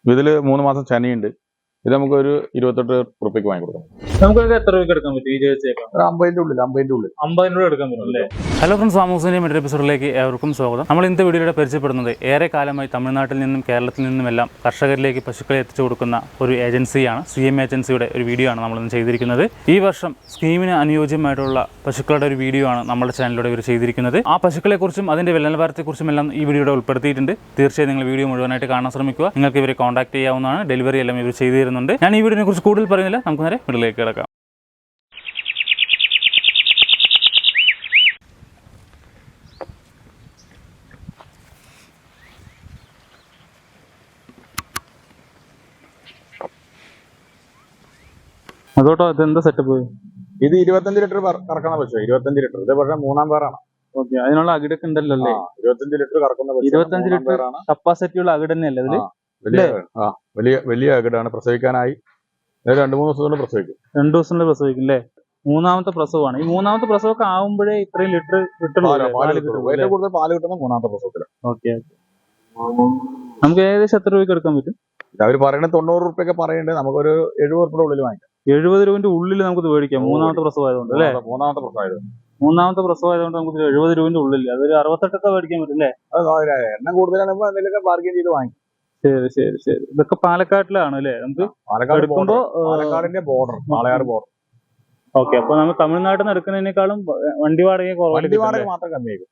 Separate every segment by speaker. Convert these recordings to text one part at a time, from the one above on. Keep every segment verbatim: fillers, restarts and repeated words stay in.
Speaker 1: ഇതില് മൂന്ന് മാസം ചനിയുണ്ട്. ഇത് നമുക്ക് ഒരു ഇരുപത്തെട്ട് റുപ്യക്ക് വാങ്ങി കൊടുക്കാം.
Speaker 2: നമുക്ക് എത്ര രൂപയ്ക്ക് എടുക്കാൻ പറ്റും ഈ ജേഴ്സിയൊക്കെ?
Speaker 1: ഒരു അമ്പതിന്റെ ഉള്ളിൽ അമ്പതിന്റെ ഉള്ളിൽ
Speaker 2: അമ്പതിന് രൂപ എടുക്കാൻ പറ്റും അല്ലേ?
Speaker 3: ഹലോ ഫ്രണ്ട്സ്, ഫാമോസിന്റെ മറ്റൊരു എപ്പിസോഡിലേക്ക് ഏവർക്കും സ്വാഗതം. നമ്മൾ ഇന്നത്തെ വീഡിയോയുടെ പരിചയപ്പെടുന്നത് ഏറെ കാലമായി തമിഴ്നാട്ടിൽ നിന്നും കേരളത്തിൽ നിന്നുമെല്ലാം കർഷകരിലേക്ക് പശുക്കളെ എത്തിച്ചു കൊടുക്കുന്ന ഒരു ഏജൻസിയാണ്. സി എം ഏജൻസിയുടെ ഒരു വീഡിയോ ആണ് നമ്മളിന്ന് ചെയ്തിരിക്കുന്നത്. ഈ വർഷം സ്കീമിന് അനുയോജ്യമായിട്ടുള്ള പശുക്കളുടെ ഒരു വീഡിയോ ആണ് നമ്മുടെ ചാനലിലൂടെ ഇവർ ചെയ്തിരിക്കുന്നത്. ആ പശുക്കളെക്കുറിച്ചും അതിന്റെ വിലനിലവാരത്തെക്കുറിച്ചും എല്ലാം ഈ വീഡിയോയുടെ ഉൾപ്പെടുത്തിയിട്ടുണ്ട്. തീർച്ചയായും നിങ്ങൾ വീഡിയോ മുഴുവനായിട്ട് കാണാൻ ശ്രമിക്കുക. നിങ്ങൾക്ക് ഇവരെ കോൺടാക്ട് ചെയ്യാവുന്നതാണ്. ഡെലിവറി എല്ലാം ഇവർ ചെയ്തു തരുന്നുണ്ട്. ഞാൻ ഈ വീഡിയോനെ കുറിച്ച് കൂടുതൽ പറയുന്നില്ല, നമുക്ക് നേരെ വീട്ടിലേക്ക് കിടക്കാം.
Speaker 2: അതോട്ടോ ഇതെന്താ സെറ്റപ്പ്?
Speaker 1: ഇത് ഇരുപത്തഞ്ച് ലിറ്റർ കറക്കുന്ന പശു, ഇരുപത്തഞ്ച് ലിറ്റർ. ഇത് പക്ഷേ മൂന്നാം പേരാണ്.
Speaker 2: ഓക്കെ, അതിനുള്ള അകിടൊക്കെ ഉണ്ടല്ലോ അല്ലേ?
Speaker 1: ഇരുപത്തഞ്ച് ലിറ്റർ കറക്കുന്ന പശു,
Speaker 2: ഇരുപത്തഞ്ച് ലിറ്റർ കപ്പാസിറ്റി ഉള്ള അകിട് തന്നെയല്ലേ ഇതില്?
Speaker 1: വലിയ ആ വലിയ വലിയ അകിടാണ്. പ്രസവിക്കാനായി രണ്ടു മൂന്ന് ദിവസം കൊണ്ട് പ്രസവിക്കും.
Speaker 2: രണ്ടു ദിവസം കൊണ്ട് പ്രസവിക്കും അല്ലേ? മൂന്നാമത്തെ പ്രസവമാണ്. ഈ മൂന്നാമത്തെ പ്രസവമൊക്കെ ആവുമ്പോഴേ ഇത്രയും ലിറ്റർ കിട്ടുള്ളൂ.
Speaker 1: ഏറ്റവും കൂടുതൽ പാല് കിട്ടുന്ന മൂന്നാമത്തെ പ്രസവത്തിൽ.
Speaker 2: ഓക്കെ, നമുക്ക് ഏകദേശം എത്ര രൂപയ്ക്ക് എടുക്കാൻ പറ്റും?
Speaker 1: അവർ പറയുന്നത് തൊണ്ണൂറ് റുപ്യൊക്കെ പറയുന്നുണ്ട്. നമുക്കൊരു എഴുപത് റുപ്യുടെ ഉള്ളിൽ വാങ്ങിക്കാം.
Speaker 2: എഴുപത് രൂപന്റെ ഉള്ളിൽ നമുക്ക് ഇത് മേടിക്കാം. മൂന്നാമത്തെ പ്രസവം ആയതുകൊണ്ട് അല്ലേ?
Speaker 1: മൂന്നാമത്തെ പ്രസവം ആയതുകൊണ്ട്
Speaker 2: മൂന്നാമത്തെ പ്രസവം ആയതുകൊണ്ട് നമുക്ക് എഴുപത് രൂപന്റെ ഉള്ളിൽ അതൊരു അറുപത്തെട്ടൊക്കെ മേടിക്കാൻ പറ്റും അല്ലേ?
Speaker 1: എണ്ണം കൂടുതലാണെങ്കിൽ എന്തെങ്കിലുമൊക്കെ ബാർഗെയിൻ ചെയ്ത് വാങ്ങിക്കും.
Speaker 2: ശരി ശരി ശരി. ഇതൊക്കെ പാലക്കാട്ടിലാണ് അല്ലേ? നമുക്ക്
Speaker 1: പാലക്കാട് എടുക്കുമ്പോ പാലക്കാടിന്റെ ബോർഡർ, പാലക്കാട് ബോർഡർ.
Speaker 2: ഓക്കെ, അപ്പൊ നമ്മൾ തമിഴ്നാട്ടിൽ നിന്ന് എടുക്കുന്നതിനേക്കാളും വണ്ടി വാടക
Speaker 1: വണ്ടി വാടക മാത്രം കമ്മിയായിരിക്കും.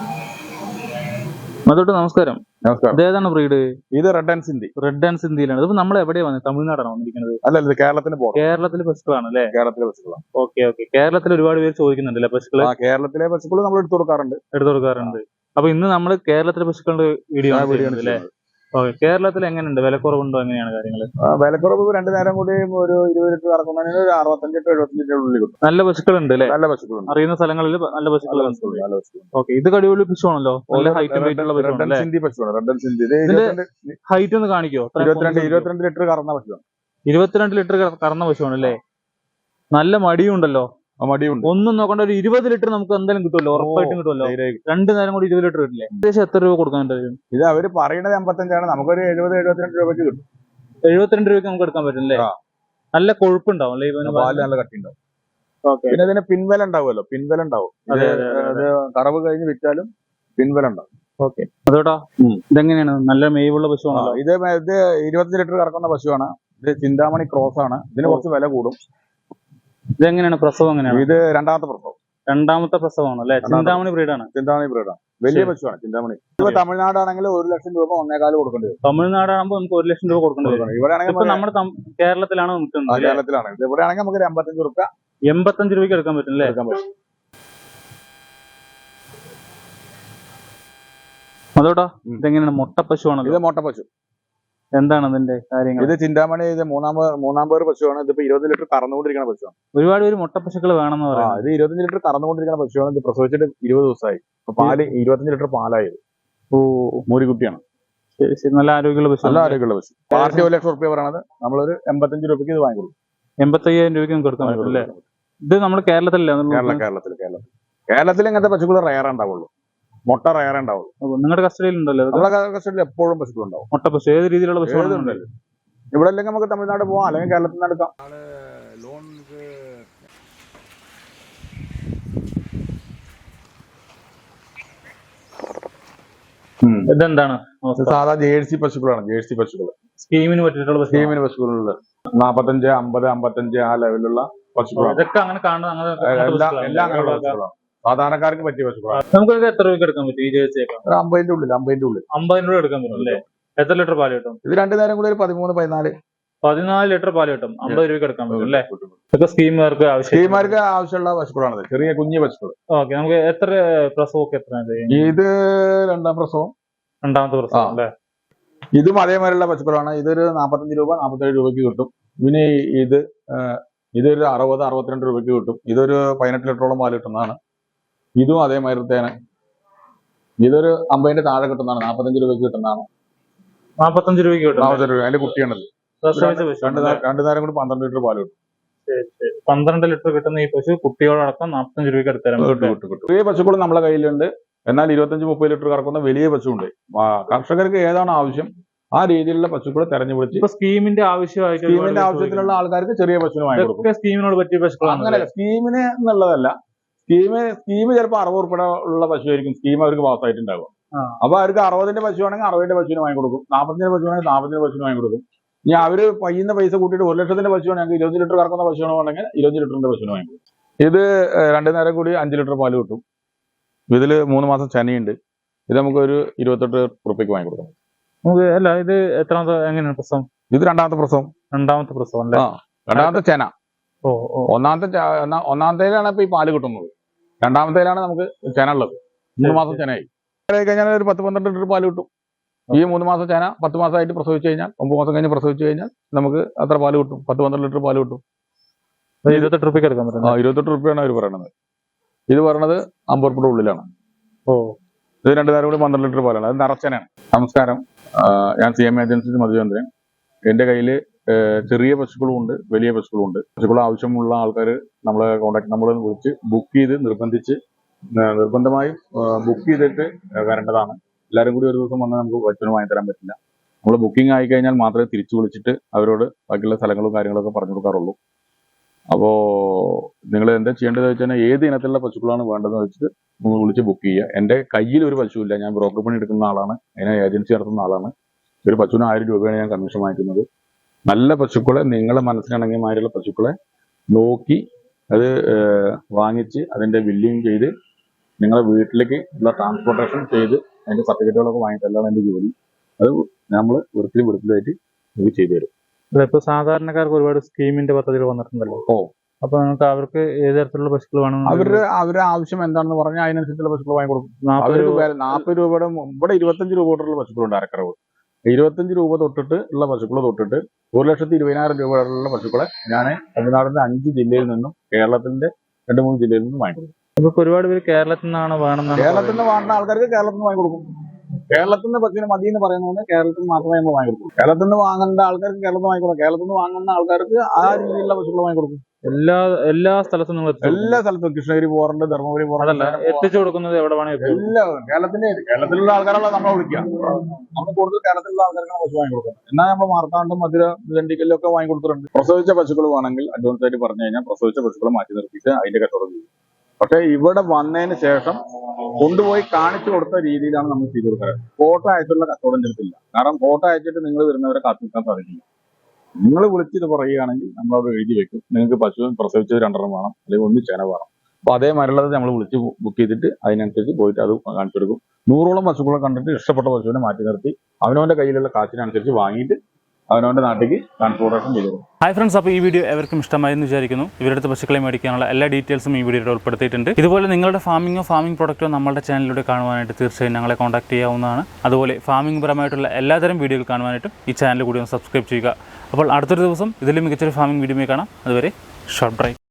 Speaker 2: അതോട്ട് നമസ്കാരം.
Speaker 1: നമസ്കാരം.
Speaker 2: ഇതേതാണ് ബ്രീഡ്?
Speaker 1: ഇത് red and Sindhi.
Speaker 2: Red and സിന്ധിയിലാണ്. ഇതിപ്പോ നമ്മൾ എവിടെയാണ് വന്നത്? തമിഴ്നാടാണ് വന്നിരിക്കുന്നത്?
Speaker 1: അല്ല, ഇത് കേരളത്തിന്റെ ബോർഡർ.
Speaker 2: കേരളത്തിലെ പശുക്കളാണ് അല്ലേ?
Speaker 1: കേരളത്തിലെ പശുക്കളാണ്.
Speaker 2: Okay okay. കേരളത്തിൽ ഒരുപാട് പേര് ചോദിക്കുന്നുണ്ടല്ലേ പശുക്കള്?
Speaker 1: കേരളത്തിലെ പശുക്കൾ നമ്മൾ എടുത്തു കൊടുക്കാറുണ്ട്.
Speaker 2: എടുത്തു കൊടുക്കാറുണ്ട്. അപ്പൊ ഇന്ന് നമ്മൾ കേരളത്തിലെ പശുക്കളുടെ വീഡിയോ ആണ് അല്ലേ? ഓക്കെ. കേരളത്തിൽ എങ്ങനെയുണ്ട്? വിലക്കുറവുണ്ടോ? എങ്ങനെയാണ് കാര്യങ്ങൾ?
Speaker 1: വിലക്കുറവ് രണ്ടു നേരം കൂടി ഒരു ഇരുപത് ലിറ്റർ കറക്കുന്നതിന് ഒരു അറുപത്തഞ്ച് ടു എഴുപത്തഞ്ച് ലിറ്റർ ഉള്ളിൽ കിട്ടും.
Speaker 2: നല്ല പശുക്കളുണ്ട് അല്ലേ?
Speaker 1: നല്ല പശുക്കളുണ്ട്.
Speaker 2: അറിയുന്ന സ്ഥലങ്ങളിൽ നല്ല പശുക്കളുണ്ട്. ഓക്കെ, ഇത് കടിപൊളി പശുവാണല്ലോ. നല്ല ഹൈറ്റും വെയിറ്റ് ഉള്ള പശുവാണ്.
Speaker 1: സിന്ധി പശുവാണ്. Red and Sindhi.
Speaker 2: ഹൈറ്റ് ഒന്ന് കാണിക്കോ?
Speaker 1: ഇരുപത്തിരണ്ട് ഇരുപത്തിരണ്ട് ലിറ്റർ കറന്ന പശുവാണ്.
Speaker 2: ഇരുപത്തിരണ്ട് ലിറ്റർ കറന്ന പശുവാണ് അല്ലേ? നല്ല മടിയും ഉണ്ടല്ലോ.
Speaker 1: മടിയുണ്ട്.
Speaker 2: ഒന്നും നോക്കണ്ട, ഒരു ഇരുപത് ലിറ്റർ നമുക്ക് എന്തായാലും കിട്ടുമല്ലോ, ഉറപ്പായിട്ടും കിട്ടുമല്ലോ. രണ്ടു നേരം കൂടി ഇരുപത് ലിറ്റർ കിട്ടില്ലേ? ഏകദേശം എത്ര രൂപ കൊടുക്കാൻ പറ്റും?
Speaker 1: ഇത് അവര് പറയുന്നത് എൺപത്തഞ്ചാണ്. നമുക്കൊരു എഴുപത് എഴുപത്തിരണ്ട് രൂപയ്ക്ക് കിട്ടും.
Speaker 2: എഴുപത്തിരണ്ട് രൂപയ്ക്ക് നമുക്ക് എടുക്കാൻ പറ്റും അല്ലേ? നല്ല കൊഴുപ്പുണ്ടാവും അല്ലേ?
Speaker 1: പാല് നല്ല കട്ടി ഉണ്ടാവും. പിന്നെ ഇതിന് പിൻവല ഉണ്ടാവുമല്ലോ, പിൻവല ഉണ്ടാവും. അത് കറവ് കഴിഞ്ഞ് വിറ്റാലും പിൻവല ഉണ്ടാവും.
Speaker 2: ഓക്കെ. അതോട്ടാ ഇതെങ്ങനെയാണ്? നല്ല മേവുള്ള പശുവാണല്ലോ.
Speaker 1: ഇത് ഇത് ഇരുപത്തഞ്ച് ലിറ്റർ കറക്കുന്ന പശുവാണ്. ഇത് ചിന്താമണി ക്രോസ് ആണ്. ഇതിന് കുറച്ച് വില കൂടും.
Speaker 2: ഇതെങ്ങനെയാണ് പ്രസവം? എങ്ങനെയാണ്?
Speaker 1: ഇത് രണ്ടാമത്തെ പ്രസവം.
Speaker 2: രണ്ടാമത്തെ പ്രസവമാണ് അല്ലെ? ചിന്താമണി ബ്രീഡാണ്.
Speaker 1: ചിന്താമണി ബ്രീഡാണ്. വലിയ പശുവാണ് ചിന്താമണി. ഇപ്പൊ തമിഴ്നാടാണെങ്കിൽ ഒരു ലക്ഷം രൂപ ഒന്നേകാല് കൊടുക്കേണ്ടി വരും.
Speaker 2: തമിഴ്നാടാകുമ്പോൾ നമുക്ക് ഒരു ലക്ഷം രൂപ കൊടുക്കേണ്ടി വരും.
Speaker 1: ഇവിടെ ആണെങ്കിൽ
Speaker 2: നമ്മുടെ കേരളത്തിലാണ് നിൽക്കുന്നത്.
Speaker 1: കേരളത്തിലാണ്. ഇവിടെ ആണെങ്കിൽ നമുക്ക് ഒരു എൺപത്തഞ്ച് രൂപ
Speaker 2: എൺപത്തഞ്ച് രൂപയ്ക്ക് എടുക്കാൻ പറ്റും അല്ലേ?
Speaker 1: എടുക്കാൻ പറ്റും.
Speaker 2: അതോട്ടാ ഇതെങ്ങനെയാണ്? മുട്ട പശുവാണല്ലോ.
Speaker 1: ഇത് മുട്ട പശു.
Speaker 2: എന്താണ് അതിന്റെ കാര്യങ്ങൾ?
Speaker 1: ഇത് ചിന്താമണി. ഇത് മൂന്നാം മൂന്നാം പേർ പശുവാണ്. ഇതിപ്പോ ഇരുപത് ലിറ്റർ കറന്നുകൊണ്ടിരിക്കുന്ന പശുവാണ്.
Speaker 2: ഒരുപാട് പേര് മുട്ട പശുക്കൾ വേണമെന്ന് പറയാം.
Speaker 1: ഇത് ഇരുപത്തഞ്ച് ലിറ്റർ കറന്നുകൊണ്ടിരിക്കുന്ന പശുവാണ്. ഇത് പ്രസവിച്ചിട്ട് ഇരുപത് ദിവസമായി. പാല് ഇരുപത്തഞ്ച് ലിറ്റർ പാലായത്. ഓ, മൂരിക്കുട്ടിയാണ്.
Speaker 2: ശരി ശരി. നല്ല ആരോഗ്യമുള്ള പശു.
Speaker 1: നല്ല ആരോഗ്യമുള്ള പശു. പാർട്ടി ഒരു ലക്ഷം റുപ്യ പറയണത് നമ്മളൊരു എൺപത്തഞ്ച് രൂപയ്ക്ക് ഇത് വാങ്ങിക്കൊടുക്കും.
Speaker 2: എൺപത്തയ്യായിരം രൂപയ്ക്ക് നമുക്ക് കൊടുക്കാൻ പറ്റും അല്ലേ? ഇത് നമ്മുടെ കേരളത്തിലല്ലേ?
Speaker 1: കേരള കേരളത്തിൽ കേരളത്തിൽ കേരളത്തിൽ ഇങ്ങനത്തെ പശുക്കൾ റയർ ഉണ്ടാവുള്ളൂ. മുട്ട റയർ ഉണ്ടാവുള്ളൂ.
Speaker 2: നിങ്ങളുടെ കസ്റ്റഡിയിൽ ഉണ്ടല്ലോ?
Speaker 1: നമ്മുടെ കസ്റ്റഡിയിൽ എപ്പോഴും പശുക്കൾ ഉണ്ടാവും.
Speaker 2: മുട്ട പശു ഏത് രീതിയിലുള്ള പശു
Speaker 1: ഉണ്ടല്ലോ. ഇവിടെ അല്ലെങ്കിൽ നമുക്ക് തമിഴ്നാട് പോവാം, അല്ലെങ്കിൽ കേരളത്തിൽ നിന്ന് എടുക്കാം.
Speaker 2: ഇതെന്താണ്?
Speaker 1: സാധാ ജേഴ്സി പശുക്കളാണ്. ജേഴ്സി പശുക്കൾ
Speaker 2: സ്കീമിന് പറ്റിയിട്ടുള്ള
Speaker 1: സ്കീമിന് പശുക്കളുണ്ട്. നാപ്പത്തഞ്ച് അമ്പത് അമ്പത്തഞ്ച് ആ ലെവലിലുള്ള പശുക്കളാണ്.
Speaker 2: ഇതൊക്കെ അങ്ങനെ കാണുന്ന
Speaker 1: എല്ലാം അങ്ങനെയുള്ള പശുക്കളാണ്. സാധാരണക്കാർക്ക് പറ്റിയ പശുക്കളാണ്.
Speaker 2: നമുക്ക് എത്ര രൂപയ്ക്ക് എടുക്കാൻ പറ്റും ഈ ജേഴ്സിയൊക്കെ?
Speaker 1: ഒരു അമ്പതിന്റെ ഉള്ളിൽ അമ്പതിന്റെ ഉള്ളിൽ
Speaker 2: അമ്പതിന് രൂപ എടുക്കാൻ പറ്റും അല്ലേ? എത്ര ലിറ്റർ പാല് കിട്ടും?
Speaker 1: ഇത് രണ്ടു നേരം കൂടി ഒരു പതിമൂന്ന് പതിനാല്
Speaker 2: പതിനാല് ലിറ്റർ പാല് കിട്ടും. അമ്പത് രൂപയ്ക്ക് എടുക്കാൻ പറ്റും അല്ലേ? ഇതൊക്കെ സ്കീമുകാർക്ക് ആവശ്യം
Speaker 1: സ്കീമുകാർക്ക് ആവശ്യമുള്ള പശുക്കളാണ്. ചെറിയ കുഞ്ഞു പശുക്കൾ.
Speaker 2: ഓക്കെ. നമുക്ക് എത്ര പ്രസവമൊക്കെ എത്ര?
Speaker 1: ഇത് രണ്ടാം പ്രസവം.
Speaker 2: രണ്ടാമത്തെ പ്രസവം അല്ലേ?
Speaker 1: ഇതും അതേമാതിരിയുള്ള പശുക്കളാണ്. ഇതൊരു നാപ്പത്തഞ്ച് രൂപ നാപ്പത്തേഴ് രൂപയ്ക്ക് കിട്ടും. പിന്നെ ഇത് ഇതൊരു അറുപത് അറുപത്തിരണ്ട് രൂപയ്ക്ക് കിട്ടും. ഇതൊരു പതിനെട്ട് ലിറ്ററോളം പാല് കിട്ടുന്നതാണ്. ഇതും അതേമാതിരിത്തേനെ. ഇതൊരു അമ്പതിന്റെ താഴെ കിട്ടുന്നതാണ്. നാപ്പത്തഞ്ച് രൂപയ്ക്ക് കിട്ടുന്നതാണ്.
Speaker 2: നാപ്പത്തഞ്ച് രൂപയ്ക്ക് കിട്ടും.
Speaker 1: നാപ്പത്തഞ്ച് രൂപ. അതിന്റെ കുട്ടിയാണത്. രണ്ടു നേരം കൂടി പന്ത്രണ്ട് ലിറ്റർ പാല് കിട്ടും.
Speaker 2: പന്ത്രണ്ട് ലിറ്റർ കിട്ടുന്ന ഈ പശു കുട്ടിയോടൊപ്പം നാപ്പത്തഞ്ച് രൂപയ്ക്ക് എടുത്തരാം.
Speaker 1: ചെറിയ പശുക്കളും നമ്മളെ കയ്യിലുണ്ട്. എന്നാൽ ഇരുപത്തഞ്ച് മുപ്പത് ലിറ്റർ കറക്കുന്ന വലിയ പശുവുണ്ട്. കർഷകർക്ക് ഏതാണ് ആവശ്യം ആ രീതിയിലുള്ള പശുക്കളെ തെരഞ്ഞുപിടിച്ച്
Speaker 2: ഇപ്പൊ സ്കീമിന്റെ ആവശ്യമായിട്ട്
Speaker 1: സ്കീമിന്റെ ആവശ്യത്തിലുള്ള ആൾക്കാർക്ക് ചെറിയ പശുവിന് വാങ്ങി കൊടുക്കും.
Speaker 2: സ്കീമിനോട് പറ്റിയ പശുക്കളാണ്.
Speaker 1: അങ്ങനെയല്ല, സ്കീമിന് എന്നുള്ളതല്ല. സ്കീമ് സ്കീം ചിലപ്പോൾ അറുപത് ഉൾപ്പെടെ ഉള്ള പശുവായിരിക്കും സ്കീം അവർക്ക് പാസ്സായിട്ടുണ്ടാകും. അപ്പൊ അവർക്ക് അറുപതിന്റെ പശുവാണെങ്കിൽ അറുപതിന്റെ പശുവിന് വാങ്ങി കൊടുക്കും, നാൽപ്പത്തിന്റെ പശുവാണെങ്കിൽ നാൽപ്പത്തിന്റെ പശുവിന് വാങ്ങി കൊടുക്കും. ഇനി അവര് പയ്യുന്ന പൈസ കൂട്ടിയിട്ട് ഒരു ലക്ഷത്തിന്റെ പശുവാണെങ്കിൽ ഇരുപത് ലിറ്റർ കറക്കുന്ന പശുവാണെങ്കിൽ ഇരുപത് ലിറ്ററിന്റെ പശുവിന് വാങ്ങി കൊടുക്കും. ഇത് രണ്ടു നേരം കൂടി അഞ്ച് ലിറ്റർ പാല് കിട്ടും. ഇതില് മൂന്ന് മാസം ചനയുണ്ട്. ഇത് നമുക്ക് ഒരു ഇരുപത്തെട്ട് ഉറുപ്പിക്ക് വാങ്ങി കൊടുക്കാം.
Speaker 2: നമുക്ക് അല്ല, ഇത് എത്രാമത്തെ എങ്ങനെയാണ് പ്രസവം?
Speaker 1: ഇത് രണ്ടാമത്തെ പ്രസവം.
Speaker 2: രണ്ടാമത്തെ പ്രസവം അല്ലേ?
Speaker 1: രണ്ടാമത്തെ ചെന.
Speaker 2: ഓ
Speaker 1: ഒന്നാമത്തെ ഒന്നാമത്തേലാണ് ഇപ്പൊ ഈ പാല് കിട്ടുന്നത്. രണ്ടാമത്തേലാണ് നമുക്ക് ചെന ഉള്ളത്. മൂന്ന് മാസം ചെനയായി കഴിഞ്ഞാൽ ഒരു പത്ത് പന്ത്രണ്ട് ലിറ്റർ പാല് കിട്ടും. ഈ മൂന്ന് മാസം ചെന പത്ത് മാസമായിട്ട് പ്രസവിച്ചു കഴിഞ്ഞാൽ, ഒമ്പത് മാസം കഴിഞ്ഞ് പ്രസവിച്ചു കഴിഞ്ഞാൽ നമുക്ക് അത്ര പാല് കിട്ടും, പത്ത് പന്ത്രണ്ട് ലിറ്റർ പാല് കിട്ടും.
Speaker 2: ഇരുപത്തെട്ട് റുപ്യക്ക് എടുക്കാൻ പറ്റും.
Speaker 1: ആ ഇരുപത്തെട്ട് റുപ്യാണ് അവർ പറയണത്. ഇത് പറയണത് അമ്പത് റുപ്യയുടെ ഉള്ളിലാണ്.
Speaker 2: ഓ
Speaker 1: ഇത് രണ്ടു നേരം കൂടി പന്ത്രണ്ട് ലിറ്റർ പാലാണ്. അത് നിറച്ചനാണ്. നമസ്കാരം, ഞാൻ സി എം ഏജൻസി മധുചന്ദ്രൻ. എന്റെ കയ്യിൽ ചെറിയ പശുക്കളും ഉണ്ട്, വലിയ പശുക്കളും ഉണ്ട്. പശുക്കൾ ആവശ്യമുള്ള ആൾക്കാർ നമ്മളെ കോൺടാക്ട് നമ്മളെ വിളിച്ച് ബുക്ക് ചെയ്ത് നിർബന്ധിച്ച് നിർബന്ധമായും ബുക്ക് ചെയ്തിട്ട് വരേണ്ടതാണ്. എല്ലാവരും കൂടി ഒരു ദിവസം വന്നാൽ നമുക്ക് പശുവിന് വാങ്ങി തരാൻ പറ്റില്ല. നമ്മൾ ബുക്കിംഗ് ആയി കഴിഞ്ഞാൽ മാത്രമേ തിരിച്ചു വിളിച്ചിട്ട് അവരോട് ബാക്കിയുള്ള സ്ഥലങ്ങളും കാര്യങ്ങളൊക്കെ പറഞ്ഞു കൊടുക്കാറുള്ളൂ. അപ്പോൾ നിങ്ങൾ എന്താ ചെയ്യേണ്ടത് വെച്ചാൽ ഏത് ഇനത്തിലുള്ള പശുക്കളാണ് വേണ്ടതെന്ന് വെച്ചിട്ട് നിങ്ങൾ വിളിച്ച് ബുക്ക് ചെയ്യുക. എൻ്റെ കയ്യിൽ ഒരു പശുവില്ല, ഞാൻ ബ്രോക്കർ പണി എടുക്കുന്ന ആളാണ്, അതിനെ ഏജൻസി നടത്തുന്ന ആളാണ്. ഒരു പശുവിന് ആയിരം രൂപയാണ് ഞാൻ കമ്മീഷൻ വാങ്ങിക്കുന്നത്. നല്ല പശുക്കളെ, നിങ്ങളെ മനസ്സിനിണങ്ങിയ മാതിരിയുള്ള പശുക്കളെ നോക്കി അത് വാങ്ങിച്ച് അതിൻ്റെ ബില്ലിങ് ചെയ്ത് നിങ്ങളെ വീട്ടിലേക്ക് ഉള്ള ട്രാൻസ്പോർട്ടേഷൻ ചെയ്ത് അതിൻ്റെ സർട്ടിഫിക്കറ്റുകളൊക്കെ വാങ്ങിയിട്ടല്ലാണ് എൻ്റെ ജോലി. അത് നമ്മൾ വൃത്തിയും വൃത്തിയായിട്ട് ഇത് ചെയ്തു തരും.
Speaker 2: ഇപ്പൊ സാധാരണക്കാർക്ക് ഒരുപാട് സ്കീമിന്റെ പദ്ധതികൾ വന്നിട്ടുണ്ടല്ലോ.
Speaker 1: ഓ
Speaker 2: അപ്പൊ നമുക്ക് അവർക്ക് ഏത് തരത്തിലുള്ള പശുക്കൾ വേണം?
Speaker 1: അവരുടെ അവരുടെ ആവശ്യം എന്താണെന്ന് പറഞ്ഞാൽ അതിനനുസരിച്ചുള്ള പശുക്കൾ വാങ്ങി കൊടുക്കും. അവർക്ക് നാൽപ്പത് രൂപയുടെ ഇവിടെ ഇരുപത്തഞ്ച് രൂപ തൊട്ടുള്ള പശുക്കളുണ്ട്. അരക്കറവ് ഇരുപത്തഞ്ച് രൂപ തൊട്ടിട്ട് ഉള്ള പശുക്കൾ തൊട്ടിട്ട് ഒരു ലക്ഷത്തി ഇരുപതിനായിരം രൂപയുള്ള പശുക്കളെ ഞാൻ തമിഴ്നാടിന്റെ അഞ്ച് ജില്ലയിൽ നിന്നും കേരളത്തിന്റെ രണ്ട് മൂന്ന് ജില്ലയിൽ നിന്നും വാങ്ങി കൊടുക്കും.
Speaker 2: ഇപ്പൊ ഒരുപാട് പേര് കേരളത്തിൽ നിന്നാണ് വേണമെന്നാണ്.
Speaker 1: കേരളത്തിൽ നിന്ന് വേണ്ട ആൾക്കാർക്ക് കേരളത്തിൽ നിന്ന് വാങ്ങി കൊടുക്കും. കേരളത്തിൽ നിന്ന് പശുവിന് മതി എന്ന് പറയുന്നത് കേരളത്തിൽ നിന്ന് മാത്രമേ നമ്മൾ വാങ്ങി കൊടുക്കും. കേരളത്തിൽ നിന്ന് വാങ്ങേണ്ട ആൾക്കാർക്ക് കേരളത്തിൽ നിന്ന് വാങ്ങി കൊടുക്കും. കേരളത്തിൽ നിന്ന് വാങ്ങുന്ന ആൾക്കാർക്ക് ആ രീതിയിലുള്ള പശുക്കൾ വാങ്ങി കൊടുക്കും.
Speaker 2: എല്ലാ എല്ലാ സ്ഥലത്തും നിങ്ങൾ
Speaker 1: എല്ലാ സ്ഥലത്തും കൃഷ്ണഗിരി പോകാറുണ്ട്, ധർമ്മപുരി പോകാറുണ്ട്.
Speaker 2: എത്തിച്ചു കൊടുക്കുന്നത് എവിടെ വേണമെങ്കിൽ
Speaker 1: എല്ലാ കേരളത്തിന്റെ കേരളത്തിലുള്ള ആൾക്കാരാണല്ലോ നമ്മളെ വിളിക്കുക. നമ്മൾ കൂടുതൽ കേരളത്തിലുള്ള ആൾക്കാർക്കാണ് പശു വാങ്ങി കൊടുക്കുന്നത്. എന്നാൽ നമ്മൾ മാർത്താണ്ടും മധുര ദണ്ഡിക്കലും ഒക്കെ വാങ്ങി കൊടുത്തിട്ടുണ്ട്. പ്രസവിച്ച പശുക്കൾ വേണമെങ്കിൽ അഡ്വാൻസ് ആയിട്ട് പറഞ്ഞു കഴിഞ്ഞാൽ പ്രസവിച്ച പശുക്കളെ മാറ്റി നിർത്തിയിട്ട് അതിന്റെ കച്ചവടം ചെയ്യും. പക്ഷെ ഇവിടെ വന്നതിന് ശേഷം കൊണ്ടുപോയി കാണിച്ചു കൊടുത്ത രീതിയിലാണ് നമ്മൾ ചെയ്തു കൊടുക്കുന്നത്. ഫോട്ടോ അയച്ചുള്ള കച്ചവടം ചെയ്തിട്ടില്ല. കാരണം ഫോട്ടോ അയച്ചിട്ട് നിങ്ങൾ വരുന്നവരെ കാത്തിരിക്കാൻ സാധിക്കില്ല. നിങ്ങൾ വിളിച്ചിത് പറയുകയാണെങ്കിൽ നമ്മളവിടെ എഴുതി വെക്കും, നിങ്ങൾക്ക് പശു പ്രസവിച്ചത് രണ്ടെണ്ണം വേണം, അല്ലെങ്കിൽ ഒന്ന് ചെന വേണം. അപ്പൊ അതേമാതിരിയുള്ളത് നമ്മൾ വിളിച്ച് ബുക്ക് ചെയ്തിട്ട് അതിനനുസരിച്ച് പോയിട്ട് അത് കാണിച്ചു കൊടുക്കും. നൂറോളം പശുക്കളെ കണ്ടിട്ട് ഇഷ്ടപ്പെട്ട പശുവിനെ മാറ്റി നിർത്തി അവനവന്റെ കയ്യിലുള്ള കാശിനനുസരിച്ച് വാങ്ങിയിട്ട് അവനവന്റെ നാട്ടിലേക്ക് ട്രാൻസ്പോർട്ടേഷൻ ചെയ്തു.
Speaker 3: ഹായ് ഫ്രണ്ട്സ്, അപ്പോൾ ഈ വീഡിയോ എവർക്കും ഇഷ്ടമായി എന്ന് വിചാരിക്കുന്നു. ഇവരുടെ പശുക്കളെ മേടിക്കാനുള്ള എല്ലാ ഡീറ്റെയിൽസും ഈ വീഡിയോയിൽ ഉൾപ്പെടുത്തിയിട്ടുണ്ട്. ഇതുപോലെ നിങ്ങളുടെ ഫാമിങ്ങോ ഫാമിംഗ് പ്രൊഡക്റ്റോ നമ്മുടെ ചാനലിലൂടെ കാണുവാനായിട്ട് തീർച്ചയായും ഞങ്ങളെ കോൺടാക്ട് ചെയ്യാവുന്നതാണ്. അതുപോലെ ഫാമിംഗ് പരമായിട്ടുള്ള എല്ലാതരം വീഡിയോകൾ കാണുവാനായിട്ടും ഈ ചാനൽ കൂടി ഒന്ന് സബ്സ്ക്രൈബ് ചെയ്യുക. അപ്പോൾ അടുത്തൊരു ദിവസം ഇതിലും മികച്ചൊരു ഫാമിംഗ് വീഡിയോ കാണാം. അതുവരെ ഷോർട്ട് ബ്രേക്ക്.